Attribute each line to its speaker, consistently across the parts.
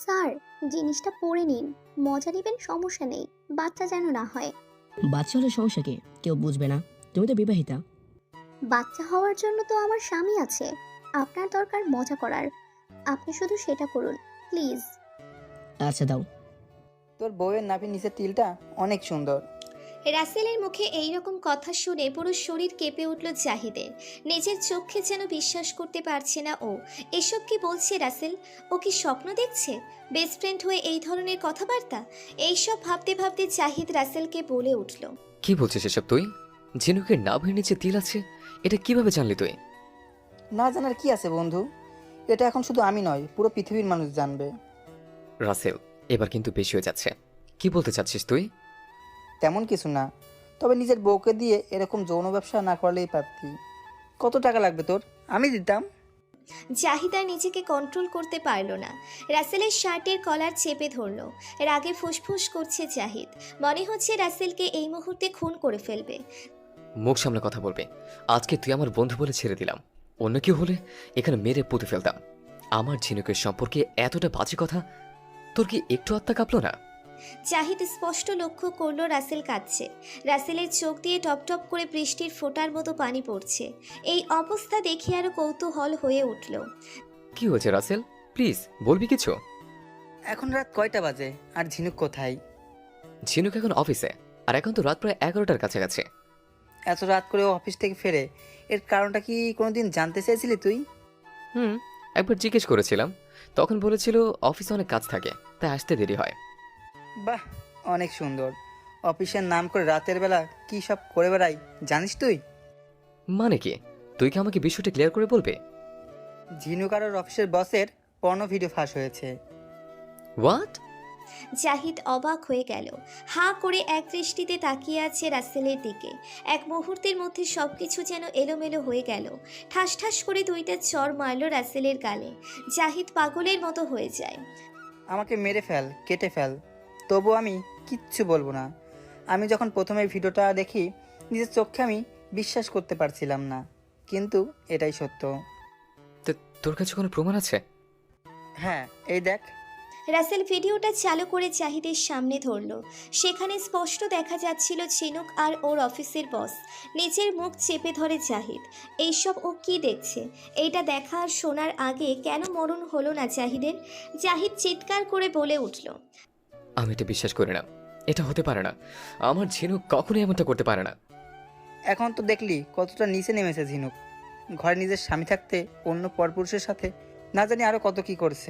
Speaker 1: Sir, জিনিসটা পরে নিন। মজা নেবেন, সমস্যা নেই, বাচ্চা যেন না হয়।
Speaker 2: বাচ্চা হলে সমস্যা কি? কেউ বুঝবে না। তুমি তো বিবাহিতা।
Speaker 1: বাচ্চা হওয়ার জন্য তো আমার স্বামী আছে। আপনার দরকার মজা করার, আপনি শুধু সেটা করুন প্লিজ।
Speaker 2: আচ্ছা দাও।
Speaker 3: তোর বউয়ের নাভির নিচের তিলটা অনেক সুন্দর।
Speaker 4: রাসেলের মুখে এই রকম কথা শুনে পুরো শরীর কেঁপে উঠল জাহিদের। নিজের চোখে যেন বিশ্বাস করতে পারছে না ও। এসব কি বলছে রাসেল? ও কি স্বপ্ন দেখছে? বেস্ট ফ্রেন্ড হয়ে এই ধরনের কথাবার্তা? এইসব ভাবতে ভাবতে জাহিদ রাসেলকে বলে উঠল,
Speaker 5: কি বলছিস এসব তুই? ঝিনুকের নাভের নিচে তিল আছে, এটা কিভাবে জানলি তুই?
Speaker 3: না জানার কি আছে বন্ধু, এটা এখন শুধু আমি নয়, পুরো পৃথিবীর মানুষ জানবে।
Speaker 5: রাসেল, এবার কিন্তু বেশি হয়ে যাচ্ছে। কি বলতে চাচ্ছিস তুই?
Speaker 3: তেমন কিছু না, তবে নিজের বউকে দিয়ে এরকম যৌন ব্যবসা না করলেই পারতি। কত টাকা লাগবে তোর? আমি দিতাম।
Speaker 4: জাহিদ আর নিজেকে কন্ট্রোল করতে পারল না। রাসেলের শার্টের কলার চেপে ধরল। রাগে ফুসফুস করছে জাহিদ। মনে হচ্ছে রাসেলকে এই মুহূর্তে খুন করে ফেলবে।
Speaker 5: মুখ সামনে কথা বলবে। আজকে তুই আমার বন্ধু বলে ছেড়ে দিলাম, অন্য কেউ হলে এখানে মেরে পুঁতে ফেলতাম। আমার ঝিনুকের সম্পর্কে এতটা বাজে কথা, তোর কি একটু আত্মা কাঁপলো না?
Speaker 4: জাহিদ স্পষ্ট লক্ষ্য করলো রাসেল কাঁদছে। রাসেলের চোখ দিয়ে টপ টপ করে বৃষ্টির ফোঁটার মতো পানি পড়ছে। এই অবস্থা দেখে আরো কৌতূহল হয়ে উঠল।
Speaker 5: কি হয়েছে রাসেল, প্লিজ বলবি কিছু?
Speaker 3: এখন রাত কয়টা বাজে আর ঝিনুক কোথায়?
Speaker 5: ঝিনুক এখন অফিসে, আর এখন তো রাত প্রায় 11টার কাছাকাছি।
Speaker 3: এত রাত করে ও অফিস থেকে ফেরে, এর কারণটা কি কোনোদিন জানতে চেয়েছিলি তুই?
Speaker 5: একবার জিজ্ঞেস করেছিলাম, তখন বলেছিল অফিসে অনেক কাজ থাকে, তাই আসতে দেরি হয়।
Speaker 3: বাহ, অনেক সুন্দর। অফিসের নাম করে রাতের বেলা কি সব করে বেড়াই জানিস তুই?
Speaker 5: মানে কি? তুই কি আমাকে বিষয়টা ক্লিয়ার করে বলবে?
Speaker 3: ঝিনুক আর ওর অফিসের বসের পর্নো ভিডিও ফাঁস হয়েছে।
Speaker 5: হোয়াট?
Speaker 4: জাহিদ অবাক হয়ে গেল। হাঁ করে এক দৃষ্টিতে তাকিয়ে আছে রাসেলের দিকে। এক মুহূর্তের মধ্যে সবকিছু যেন এলোমেলো হয়ে গেল। ঠাস ঠাস করে দুইটা চড় মারল রাসেলের গালে। জাহিদ পাগলের মতো হয়ে যায়।
Speaker 3: আমাকে মেরে ফেল, কেটে ফেল, তবু আমি কিচ্ছু বলবো না। আমি যখন প্রথমে ভিডিওটা দেখি, নিজের চোখে আমি বিশ্বাস করতে পারছিলাম না, কিন্তু এটাই সত্য।
Speaker 5: তো তোর কাছে কোনো প্রমাণ আছে?
Speaker 3: হ্যাঁ, এই দেখ।
Speaker 4: রাসেল ভিডিওটা চালু করে জাহিদের সামনে ধরল। সেখানে স্পষ্ট দেখা যাচ্ছিল ঝিনুক আর ওর অফিসের বস। নিজের মুখ চেপে ধরে জাহিদ। এইসব ও কি দেখছে? এইটা দেখা আর শোনার আগে কেন মরণ হলো না জাহিদের? জাহিদ চিৎকার করে বলে উঠল,
Speaker 5: আমি এটা বিশ্বাস করি না, এটা হতে পারে না। আমার ঝিনুক কখনোই এমনটা করতে পারে না।
Speaker 3: এখন তো দেখলি কতটা নিচে নেমেছে ঝিনুক। ঘরে নিজের স্বামী থাকতে অন্য পরপুরুষের সাথে না জানি আরো কত কি করছে।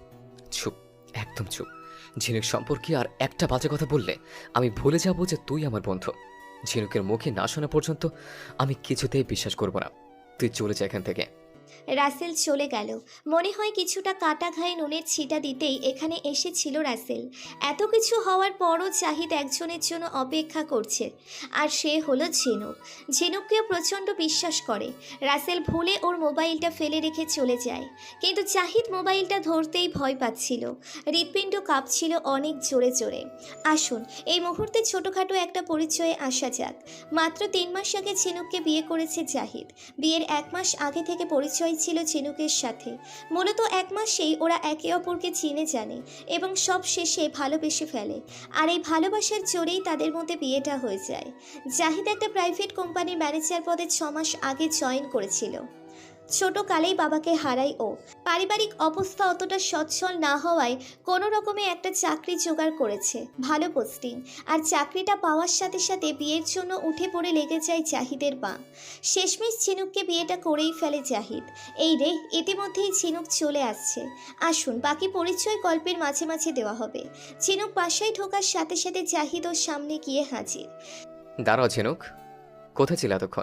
Speaker 5: চুপ, একদম চুপ। ঝিনুক সম্পর্কে আর একটা বাজে কথা বললে আমি ভুলে যাব যে তুই আমার বন্ধু। ঝিনুকের মুখে না শোনা পর্যন্ত আমি কিছুতেই বিশ্বাস করব না। তুই চলে যা এখান থেকে।
Speaker 4: রাসেল চলে গেল। মনে হয় কিছুটা কাটা ঘায়ে নুনের ছিটা দিতেই এখানে এসেছিল রাসেল। এত কিছু হওয়ার পরও জাহিদ একজনের জন্য অপেক্ষা করছে, আর সে হলো ঝিনুক। ঝিনুককেও প্রচণ্ড বিশ্বাস করে। রাসেল ভুলে ওর মোবাইলটা ফেলে রেখে চলে যায়, কিন্তু জাহিদ মোবাইলটা ধরতেই ভয় পাচ্ছিল। হৃৎপিণ্ড কাঁপছিল অনেক জোরে জোরে। আসুন এই মুহূর্তে ছোটোখাটো একটা পরিচয়ে আসা যাক। মাত্র 3 মাস আগে ঝিনুককে বিয়ে করেছে জাহিদ। বিয়ের 1 মাস আগে থেকে পরিচয় ছিল ঝিনুকের সাথে। মূলত 1 মাসেই ওরা একে অপরকে চিনে জানে এবং সব শেষে ভালোবেসে ফেলে। আর এই ভালোবাসার জোরেই তাদের মধ্যে বিয়েটা হয়ে যায়। জাহিদ একটা প্রাইভেট কোম্পানির ম্যানেজার পদে 6 মাস আগে জয়েন করেছিল। ছোটকালেই বাবাকে হারায় ও। পারিবারিক অবস্থা অতটা সচ্ছল না হওয়ায় কোনো রকমে একটা চাকরি জোগাড় করেছে, ভালো পোস্টিং। আর চাকরিটা পাওয়ার সাথে সাথে বিয়ের জন্য উঠে পড়ে লেগে যায় জাহিদের পা। শেষমেশ ঝিনুককে বিয়েটা করেই ফেলে জাহিদ। এই রে, ইতিমধ্যেই ঝিনুক চলে আসছে। আসুন বাকি পরিচয় গল্পের মাঝে মাঝে দেওয়া হবে। ঝিনুক বাসায় ঢোকার সাথে সাথে জাহিদ ওর সামনে গিয়ে হাজির।
Speaker 5: দাঁড়াও ঝিনুক, কোথায় ছিল এতক্ষণ?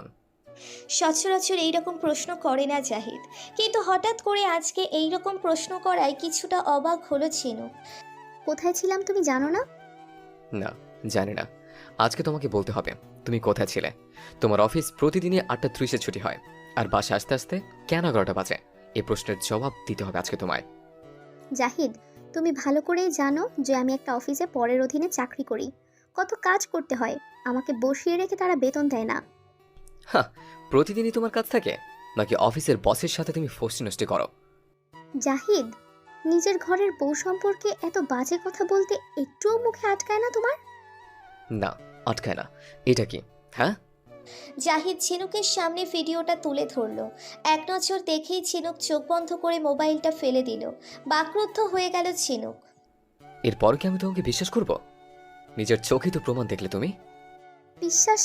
Speaker 4: সচরাচর এইরকম প্রশ্ন করে না জাহিদ, কিন্তু হঠাৎ করে আজকে এইরকম প্রশ্ন করায় কিছুটা অবাক হলো ঝিনুক।
Speaker 1: কোথায় ছিলাম তুমি জানো না?
Speaker 5: না, জানি না। আজকে তোমাকে বলতে হবে তুমি কোথায় ছিলে। তোমার অফিস প্রতিদিনই 8:30-এ ছুটি হয়, আর বাসা আসতে আসতে কেন 11টা বাজে? এই প্রশ্নের জবাব দিতে হবে আজকে তোমায়।
Speaker 1: জাহিদ, তুমি ভালো করেই জানো যে আমি একটা অফিসে পরের অধীনে চাকরি করি। কত কাজ করতে হয়, আমাকে বসিয়ে রেখে তারা বেতন দেয় না।
Speaker 5: হ্যাঁ, প্রতিদিনই তোমার কাজ থাকে, নাকি অফিসের বসের সাথে তুমি ফষ্টি নষ্টি করো?
Speaker 1: জাহিদ, নিজের ঘরের বউ সম্পর্কে এত বাজে কথা বলতে একটুও মুখে আটকায় না তোমার?
Speaker 5: না, আটকায় না। এটা কি? হ্যাঁ,
Speaker 4: জাহিদ ঝিনুকের সামনে ভিডিওটা তুলে ধরল। এক নজর দেখেই ঝিনুক চোখ বন্ধ করে মোবাইলটা ফেলে দিল। বাকরুদ্ধ হয়ে গেল ঝিনুক।
Speaker 5: এরপর কি আমি তোমাকে বিশ্বাস করব? নিজের চোখেই তো প্রমাণ দেখলে তুমি।
Speaker 1: বিশ্বাস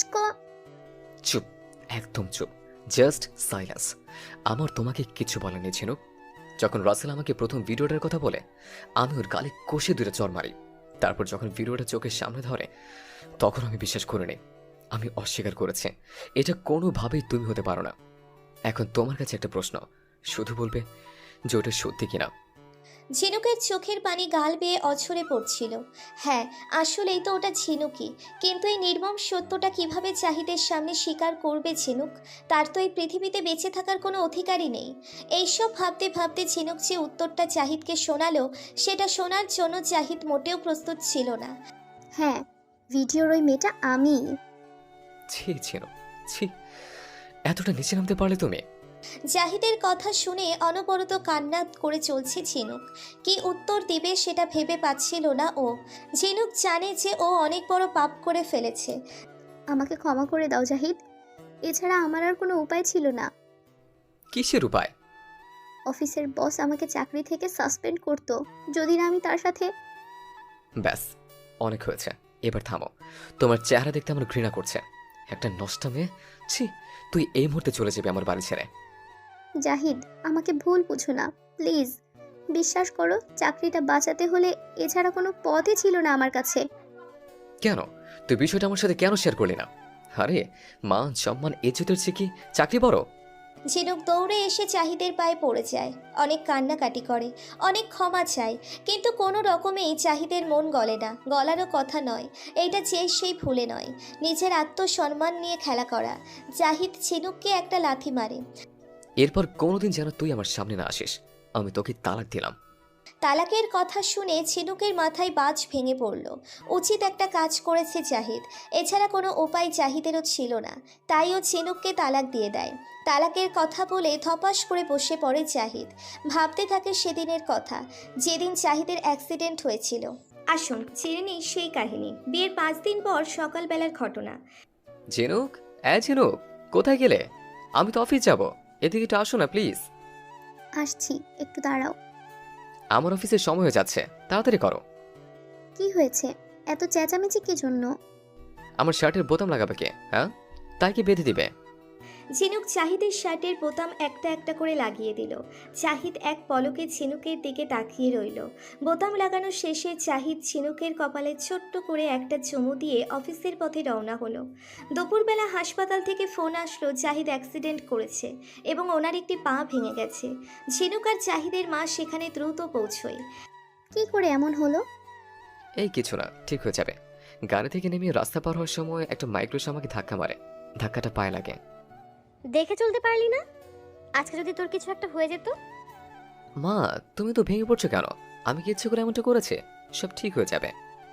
Speaker 5: চুপ, একদম চুপ, জাস্ট সাইলেন্স। আমার তোমাকে কিছু বলার নেই ঝিনুক। যখন রাসেল আমাকে প্রথম ভিডিওটার কথা বলে, আমি ওর গালে কষে দুটো চড় মারি। তারপর যখন ভিডিওটা চোখের সামনে ধরে, তখন আমি বিশ্বাস করিনি। আমি অস্বীকার করেছি। এটা কোনোভাবেই তুমি হতে পারো না। এখন তোমার কাছে একটা প্রশ্ন, শুধু বলবে যে ওটা সত্যি কিনা।
Speaker 4: ঝিনুকের চোখের পানি গাল বেয়ে অঝরে পড়ছিল। হ্যাঁ, আসলেই তো ওটা ঝিনুকই। কিন্তু এই নির্মম সত্যটা কিভাবে জাহিদের সামনে স্বীকার করবে ঝিনুক? তার তো এই পৃথিবীতে বেঁচে থাকার কোনো অধিকারই নেই। এইসব ভাবতে ভাবতে ঝিনুক যে উত্তরটা জাহিদকে শোনালো, সেটা শোনার জন্য জাহিদ মোটেও প্রস্তুত ছিল না।
Speaker 1: হ্যাঁ, ভিডিওর ওই মেয়েটা আমি।
Speaker 5: ছি ঝিনুক, ছি, এতটা নিচে নামতে পারলে তুমি?
Speaker 4: জাহিদের কথা শুনে অনবরত কান্না করে চলছে ঝিনুক। কি উত্তর দিবে সেটা ভেবে পাচ্ছিল না ও। ঝিনুক জানে যে ও অনেক বড় পাপ করে ফেলেছে।
Speaker 1: আমাকে ক্ষমা করে দাও জাহিদ, এছাড়া আমার আর কোনো উপায় ছিল না।
Speaker 5: কিসের উপায়?
Speaker 1: অফিসের বস আমাকে চাকরি থেকে সাসপেন্ড করতো যদি না আমি তার সাথে।
Speaker 5: ব্যাস, অনেক হয়েছে, এবার থামো। তোমার চেহারা দেখতে আমার ঘৃণা করছে। একটা নষ্টা মেয়ে। ছি, তুই এই মুহূর্তে চলে যাবে আমার বাড়ি ছেড়ে।
Speaker 1: জাহিদ, আমাকে ভুল বুঝো না প্লিজ। বিশ্বাস করো, চাকরিটা বাঁচাতে হলে এছাড়া কোনো পথই ছিল না আমার কাছে।
Speaker 5: কেন? তুই বিষয়টা আমার সাথে কেন শেয়ার করলি না? আরে, মান সম্মান ইজ্জতের চেয়ে কি চাকরি বড়?
Speaker 4: ঝিনুক দৌড়ে এসে জাহিদের পায়ে পড়ে যায়। অনেক কান্নাকাটি করে, অনেক ক্ষমা চায়, কিন্তু কোনো রকমেই জাহিদের মন গলে না। গলারও কথা নয়, এইটা চেয়ে সেই ভুলে নয়। নিজের আত্মসম্মান নিয়ে খেলা করা। জাহিদ ঝিনুককে একটা লাথি মারে।
Speaker 5: এরপর কোনোদিন যেন তুই আমার সামনে না আসিস। আমি তোকে তালাক দিলাম।
Speaker 4: তালাকের কথা শুনে ঝিনুকের মাথায় বাজ ভেঙে পড়ল। উচিত একটা কাজ করেছে জাহিদ, এছাড়া কোনো উপায় জাহিদেরও ছিল না। তাই ও ঝিনুককে তালাক দিয়ে দেয়। তালাকের কথা বলে ধপাস করে বসে পড়ে জাহিদ। ভাবতে থাকে সেদিনের কথা, যেদিন জাহিদের অ্যাক্সিডেন্ট হয়েছিল। আসুন জেনে নিই সেই কাহিনী। বিয়ের 5 দিন পর সকালবেলার ঘটনা।
Speaker 5: ঝিনুক, ঝিনুক, কোথায় গেলে? আমি তো অফিস যাব, এদিকে একটু আসো না প্লিজ।
Speaker 1: আসছি, একটু দাঁড়াও।
Speaker 5: আমার অফিসের সময় হয়ে যাচ্ছে, তাড়াতাড়ি করো।
Speaker 1: কি হয়েছে? এত চেঁচামেচি কি জন্য?
Speaker 5: আমার শার্টের বোতাম লাগাবে কে? হ্যাঁ, তাই কি বেঁধে দিবে?
Speaker 4: ঝিনুক জাহিদের শার্টের বোতাম একটা একটা করে লাগিয়ে দিল। জাহিদ এক পলকে ঝিনুকের দিকে তাকিয়ে রইল। বোতাম লাগানো শেষে জাহিদ ঝিনুকের কপালে ছোট্ট করে একটা চুমু দিয়ে অফিসের পথে রওনা হলো। দুপুরবেলা হাসপাতাল থেকে ফোন আসলো জাহিদ অ্যাক্সিডেন্ট করেছে এবং ওনার একটি পা ভেঙে গেছে। ঝিনুক আর জাহিদের মা সেখানে দ্রুত পৌঁছয়।
Speaker 1: কি করে এমন হলো?
Speaker 5: এই কিছু না, ঠিক হয়ে যাবে। গাড়ি থেকে নেমে রাস্তা পার হওয়ার সময় একটা মাইক্রোস আমাকে ধাক্কা মারে। ধাক্কাটা পায়ে লাগে।
Speaker 6: দেখে চলতে পারলি না? আজকে যদি তোর কিছু একটা হয়ে যেত?
Speaker 5: মা, তুমি তো ভেঙে পড়ছো কেন? আমি কি ইচ্ছে করে এমনটা করেছি? সব ঠিক হয়ে যাবে।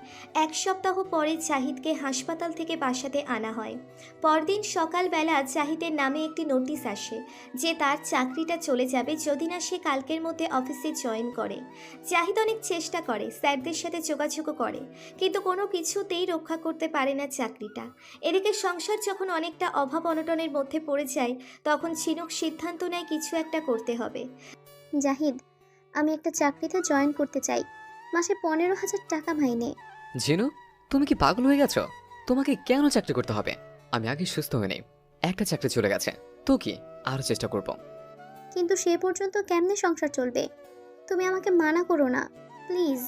Speaker 4: 1 সপ্তাহ পরে জাহিদকে হাসপাতাল থেকে বাসাতে আনা হয়। পরদিন সকালবেলা জাহিদের নামে একটি নোটিশ আসে যে তার চাকরিটা চলে যাবে যদি না সে কালকের মধ্যে অফিসে জয়েন করে। জাহিদ অনেক চেষ্টা করে, স্যারদের সাথে যোগাযোগও করে, কিন্তু কোনো কিছুতেই রক্ষা করতে পারে না চাকরিটা। এদিকে সংসার যখন অনেকটা অভাব অনটনের মধ্যে পড়ে যায়, তখন ঝিনুক সিদ্ধান্ত নেয় কিছু একটা করতে হবে।
Speaker 1: জাহিদ, আমি একটা চাকরিতে জয়েন করতে চাই। মাসে 15,000 টাকা মাইনে।
Speaker 5: ঝিনু, তুমি কি পাগল হয়ে গেছো? তোমাকে কেন চাকরি করতে হবে? আমি আগে সুস্থ হয়ে নেই। একটা চাকরি চলে গেছে, তো কি, আরো চেষ্টা করব।
Speaker 1: কিন্তু সে পর্যন্ত কেমনে সংসার চলবে? তুমি আমাকে মানা করো না প্লিজ।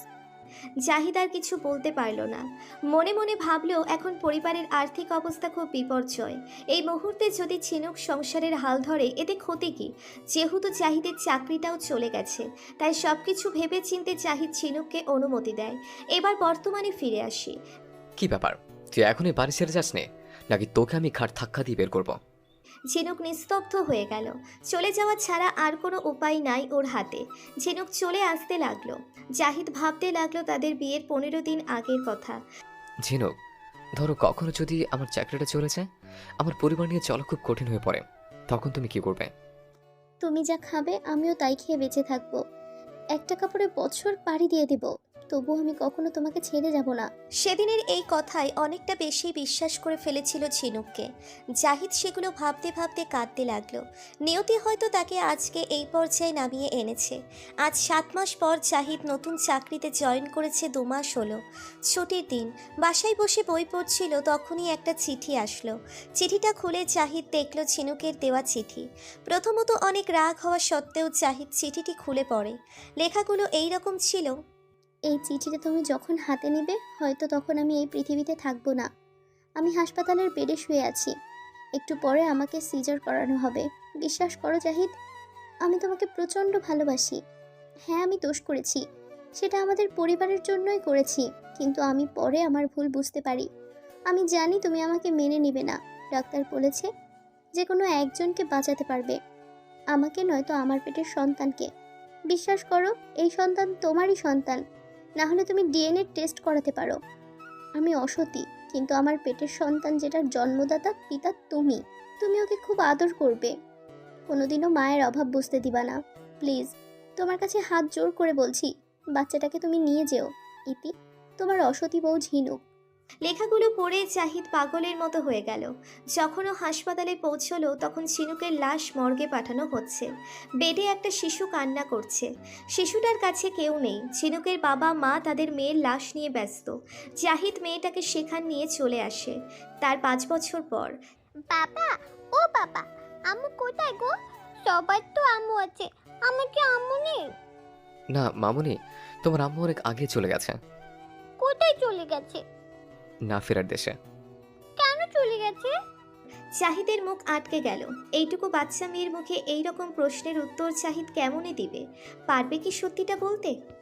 Speaker 4: জাহিদ আর কিছু বলতে পারল না। মনে মনে ভাবলেও এখন পরিবারের আর্থিক অবস্থা খুব বিপর্যয়। এই মুহূর্তে যদি ঝিনুক সংসারের হাল ধরে এতে ক্ষতি কি? যেহেতু জাহিদের চাকরিটাও চলে গেছে, তাই সবকিছু ভেবে চিন্তে জাহিদ ঝিনুককে অনুমতি দেয়। এবার বর্তমানে ফিরে আসি।
Speaker 5: কি ব্যাপার, তুই এখনই বাড়ি ছেড়ে যাসনি, নাকি তোকে আমি ঘাট ধাক্কা দিয়ে বের করবো?
Speaker 4: ঝিনুক নিস্তব্ধ হয়ে গেল। চলে যাওয়া ছাড়া আর কোনো উপায় নাই ওর হাতে। ঝিনুক চলে আসতে লাগলো। জাহিদ ভাবতে লাগলো তাদের বিয়ের 15 দিন আগের কথা।
Speaker 5: ঝিনুক, ধরো কখনো যদি আমার চাকরিটা চলে যায়, আমার পরিবার নিয়ে চলা খুব কঠিন হয়ে পড়ে, তখন তুমি কি করবে?
Speaker 1: তুমি যা খাবে আমিও তাই খেয়ে বেঁচে থাকবো। একটা কাপড়ে বছর পাড়ি দিয়ে দেব, তবু আমি কখনো তোমাকে ছেড়ে যাব না।
Speaker 4: সেদিনের এই কথায় অনেকটা বেশি বিশ্বাস করে ফেলেছিল ঝিনুককে। জাহিদ সেগুলো ভাবতে ভাবতে কাঁদতে লাগলো। নিয়তি হয়তো তাকে আজকে এই পর্যায়ে নামিয়ে এনেছে। আজ 7 মাস পর জাহিদ নতুন চাকরিতে জয়েন করেছে, 2 মাস হলো। ছুটির দিন বাসায় বসে বই পড়ছিল, তখনই একটা চিঠি আসলো। চিঠিটা খুলে জাহিদ দেখল ঝিনুকের দেওয়া চিঠি। প্রথমত অনেক রাগ হওয়া সত্ত্বেও জাহিদ চিঠিটি খুলে পড়ে। লেখাগুলো এই রকম ছিল।
Speaker 1: এই চিঠিটা তুমি যখন হাতে নেবে হয়তো তখন আমি এই পৃথিবীতে থাকবো না। আমি হাসপাতালের বেডে শুয়ে আছি, একটু পরে আমাকে সিজার করানো হবে। বিশ্বাস করো জাহিদ, আমি তোমাকে প্রচণ্ড ভালোবাসি। হ্যাঁ, আমি দোষ করেছি, সেটা আমাদের পরিবারের জন্যই করেছি, কিন্তু আমি পরে আমার ভুল বুঝতে পারি। আমি জানি তুমি আমাকে মেনে নেবে না। ডাক্তার বলেছে যে কোনো একজনকে বাঁচাতে পারবে, আমাকে নয়তো আমার পেটের সন্তানকে। বিশ্বাস করো, এই সন্তান তোমারই সন্তান, না হলে তুমি ডিএনএ টেস্ট করাতে পারো। আমি অসতী, কিন্তু আমার পেটের সন্তান যেটার জন্মদাতা পিতা তুমি। তুমি ওকে খুব আদর করবে, কোনোদিনও মায়ের অভাব বুঝতে দিবা না। প্লিজ, তোমার কাছে হাত জোর করে বলছি, বাচ্চাটাকে তুমি নিয়ে যেও। ইতি, তোমার অসতী বউ ঝিনুক।
Speaker 4: লেখাগুলো পড়ে জাহিদ পাগলের মতো হয়ে গেল। যখন ও হাসপাতালে পৌঁছলো তখন ঝিনুকের লাশ মর্গে পাঠানো হচ্ছে। বেডে একটা শিশু কান্না করছে। শিশুটার কাছে কেউ নেই। ঝিনুকের বাবা মা তাদের মেয়ের লাশ নিয়ে ব্যস্ত। জাহিদ মেয়েটাকে সেখান নিয়ে চলে আসে তার 5 বছর পর।
Speaker 6: বাবা, ও বাবা, আম্মু কোথায় গো? সবার তো আম্মু আছে, আমার কি আম্মু নেই?
Speaker 5: না মামুনি, তোমার আম্মু অনেক আগে চলে গেছে।
Speaker 6: কোথায় চলে গেছে?
Speaker 5: না ফেরার দেশে।
Speaker 6: কেন চলে গেছে?
Speaker 4: জাহিদের মুখ আটকে গেল। এইটুকু বাচ্চা মেয়ের মুখে এই রকম প্রশ্নের উত্তর জাহিদ কেমনে দিবে? পারবে কি সত্যিটা বলতে?